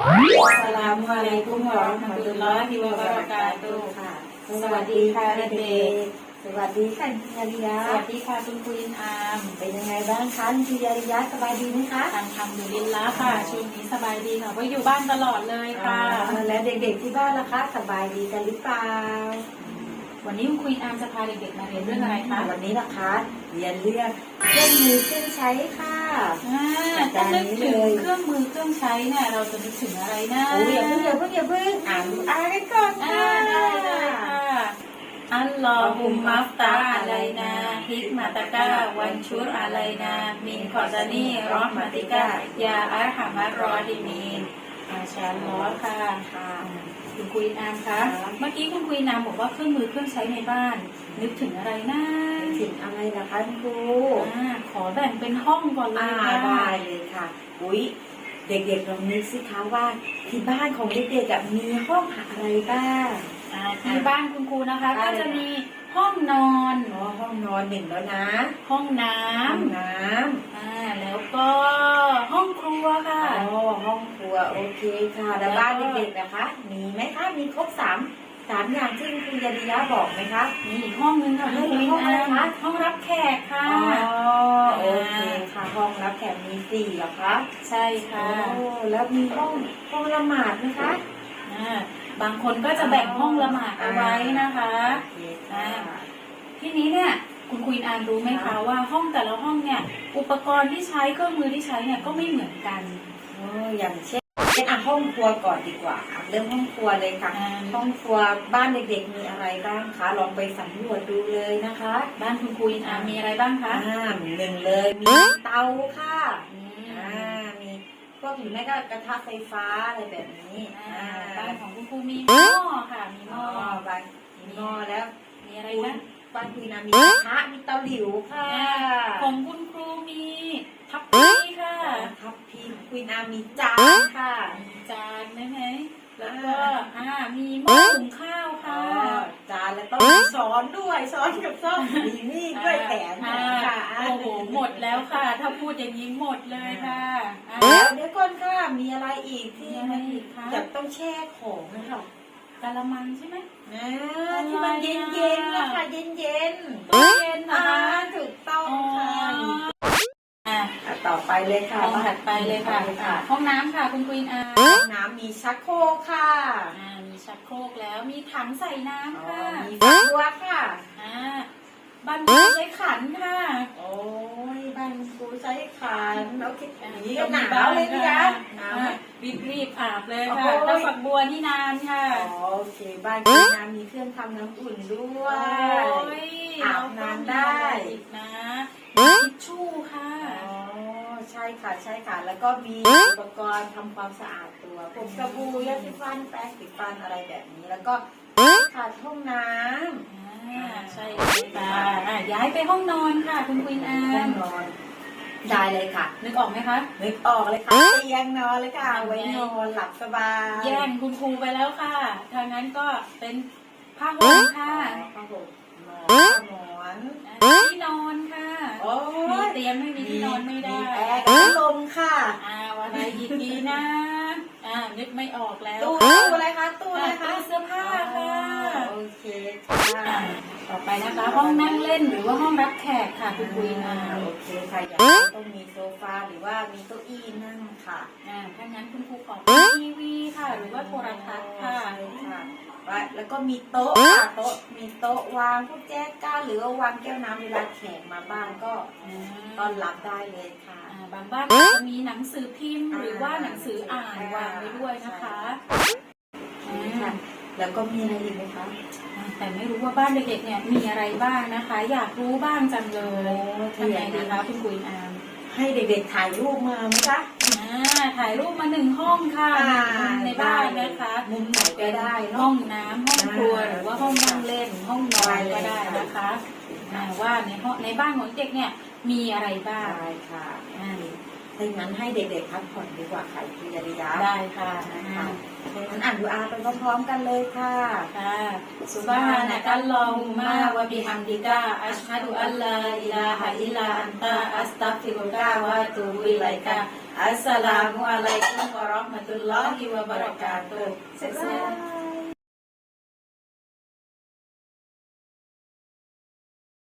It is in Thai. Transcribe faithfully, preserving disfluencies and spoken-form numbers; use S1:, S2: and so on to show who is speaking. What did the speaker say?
S1: สลามอะลัยกุมวะเราะห์มะตุลลอฮิวะบะเราะกาตุฮ์ค่ะสวัสดีค่ะเด็กๆสวัสดีค่ะคุณยาริยะ
S2: สวัสดีค่ะคุณครูอินอาม
S1: เป็นยังไงบ้างคะคุณยาริยะสบายดีไหมคะ
S2: ทางทำอยู่ลินละค่ะช่วงนี้สบายดีค่ะว่าอยู่บ้านตลอดเลยค่ะ
S1: และเด็กๆที่บ้านล่ะคะสบายดีกันหรือเปล่า
S2: วันนี้คุณครูอินอามจะพาเด็กๆมาเรียนเรื่องอะไรคะ
S1: วันนี้นะคะเรียนเรื่องเครื่องมือเครื่องใช้ค่ะ
S2: ถ้านึกถึงเครื่องมือเครื่องใช้เนี่ยเราจะนึกถึงอะไรนะ
S1: โอ้ยอย่าเพิ่งอย่าเพิ่งอย่าเพิ่งอ่านอ่านกันก่อนค่ะ
S2: ได้เลยค่ะอัลลอฮุมมัฟตาอะลัยนาฮิกมาตะกาวันชุรอะลัยนามินคอซานีรอห์มาติกายาอัลฮัมัรรอฮิมีนมาชาอัลลอฮ์ค่ะค่ะคุณครูอินอามคะเมื่อกี้คุณครูอินอามบอกว่าเครื่องมือเครื่องใช้ในบ้านนึกถึงอะไรนะ
S1: ถึงอะไรล่ะคะคุณครู
S2: ขอแบ่งเป็นห้องก่อนเลยค่ะ
S1: ได้เลยค่ะอุ๊ยเด็กๆลองนึกสิคะว่าที่บ้านของเด็กๆมีห้องอะไรบ้าง
S2: ที่บ้านคุณครูนะคะก็จะมีห้องนอน
S1: อ๋อห้องนอนหนึ่งแล้วนะ
S2: ห้องน้ำ
S1: ห้องน้ำ
S2: อ่าแล้วก็ห้องครัวค่ะ
S1: อ๋อห้องครัวโอเคค่ะแล้วบ้านเด็กๆนะคะมีไหมคะมีครบสามสามอย่างที่คุณยาริยะบอกไหมคะ
S2: มีอีกห้องนึงค่ะ
S1: ห้องอะไรคะ
S2: ห้องรับแขกค่ะ
S1: อ๋อโอเคค่ะห้องรับแขกมีสี่เหรอคะ
S2: ใช่ค่ะ
S1: โอ้แล้วมีห้องห้องละหมาดไหมคะ
S2: อ่าบางคนก็จะแบ่งห้องละหมาดเอาไว้นะคะที่นี้เนี่ยคุณครูอินอามรู้ไหมคะว่าห้องแต่ละห้องเนี่ยอุปกรณ์ที่ใช้เครื่องมือที่ใช้เนี่ยก็ไม่เหมือนกัน
S1: โอ้อย่างเช่นเป็นอ่ะห้องครัวก่อนดีกว่าเริ่มห้องครัวเลยค่ะห้องครัวบ้านเด็กๆมีอะไรบ้างคะลองไปสำรวจดูเลยนะคะ
S2: บ้านคุณครูอินอามมีอะไรบ้างคะ
S1: อ่าหนึ่งเลยมีเตาค่ะอ่ามีพวกหรือไม่ก็กระทะไฟฟ้าอะไรแบบนี้
S2: บ้านของคุณครูมีหม้อค่ะมีหม้อ
S1: บ้านมีหม้อแล้ว
S2: มีอะไรนะ
S1: บ้านคุณนามีกระทะมีเตาหลิวค่ะ
S2: ของคุณครูมีทัพพีค่ะ
S1: ทัพพีคุณนามีจานค่ะ
S2: มีจานได้ไหมแล้วก็อ่ามีหม้อหุงข้าวค่ะ
S1: จานแล้วต้องมีช้อนด้วยช้อนกับซ่อมมีมีดด้วยแถม
S2: ค่ะโอ้โหหมดแล้วค่ะถ้าพูดอย่างนี้หมดเลยค่ะ
S1: แล้วเดี๋ยวก่อนค่ะมีอะไรอีกที่จะต้องแช่ของนะคะ
S2: กะละมังใช่ไหม
S1: ที่มันเย็นเย็นนะคะเย็นเย็น
S2: ตู้เย็นนะคะ
S1: ถูกต้องค่ะต่อไปเลยค่ะ
S2: ห้องถัดไปเลยค่ะห้องน้ำค่ะคุณควีนอา
S1: ห้องน้ำมีชักโครกค่ะ
S2: มีชักโครกแล้วมีถังใส่น้ำค่ะ
S1: มีฝักบัวค่ะ
S2: บ้านครูใช้ขันค่ะ
S1: โอ้ยบ้านครูใช้ขันโอเคนี่ก็หนาวเลยนะ
S2: รีบรีบอาบเลยค่ะแล้วฝักบัวนี่นานค่ะ
S1: โอเคบ้านคุณน้ำมีเครื่องทำน้ำอุ่นด้วยอาบน้ำได้
S2: นะทิชชู่ค่ะ
S1: อ๋อใช่ค่ะใช่ค่ะแล้วก็มีอุปกรณ์ทำความสะอาดตัวผมสบู่ยาสีฟันแปรงสีฟันอะไรแบบนี้แล้วก็ขาดห้องน้ำ
S2: ใช่ค่ะย้ายไปห้องนอนค่ะคุณควีนอา
S1: ห้องนอนได้เลยค่ะ
S2: นึกออกไหมคะ
S1: นึกออกเลยค่ะเตียงนอนเลยค่ะไว้นอนหลับสบาย
S2: แย่งคุณครูไปแล้วค่ะทางนั้นก็เป็นผ้าห่มค่ะ
S1: ผ้าห่มหมอน
S2: ที่นอนค่ะมีเตียงไม่มีที่นอนไม่ได้
S1: แอร์พัดลมค่ะ
S2: อ่าวันไหนดีๆนะอ่านึกไม่ออกแล้ว
S1: ตู้อะไรคะตู้อะไรคะ
S2: เสื้อผ้าค่ะ
S1: โอเคค่ะ
S2: ต่อไปนะคะห้องนั่งเล่นหรือว่าห้องรับแขกค่ะคุณคุยนะ
S1: โอเคค่ะต้องมีโซฟาหรือว่ามีเก้าอี้นั่งค่ะ
S2: อ่าถ้างั้นคุณครูขอทีวีค่ะหรือว่าโทรทัศน์ค่ะ
S1: แล้วก็มีโต๊ะค่ะโต๊ะมีโต๊ะวางพวกแก้วก้าหรือว่าวางแก้วน้ำเวลาแขกมาบ้านก็ต้อนรับได้เลยค่ะ
S2: บางบ้านจะมีหนังสือพิมพ์หรือว่าหนังสืออ่านวางไว้ด้วยนะคะ
S1: แล้วก็มีอะไรอีกไหมคะ
S2: แต่ไม่รู้ว่าบ้านเด็กๆเนี่ยมีอะไรบ้างนะคะอยากรู้บ้างจังเลยทำไงดีคะคุณคุยอาม
S1: ให้เด็กๆถ่ายรูปมาไหมคะ
S2: ถ่ายรูปมาหนึ่งห้องค่ะในบ้านนะคะ
S1: มุมไหนก็ได้
S2: ห้องน้ำห้องครัวหรือว่าห้องนั่งเล่นห้องนอนก็ได้นะคะว่าในห้องในบ้านของเด็กเนี่ยมีอะไรบ้าง
S1: ใช่ค่ะถ้าอย่างนั้นให้เด็กๆพักผ่อนดีกว่าค่ะพิยาริยะ
S2: ได้ค่ะ
S1: นะคะดังนั้นอ่านดูอาไปพร้อมๆกันเลยค่ะ
S2: ค่ะซุบฮานะกัลลอฮุมมาวะบิฮัมดิกะอัชฮะดุอัลลาอิลาฮะอิลลาอันตะอัสตัฆฟิรุกะวะอะตูบุอิลัยกะอัสสลามุอะลัยกุมวะเราะห์มะตุลลอฮิวะบะเราะกาตุฮ์
S1: บ๊ายบาย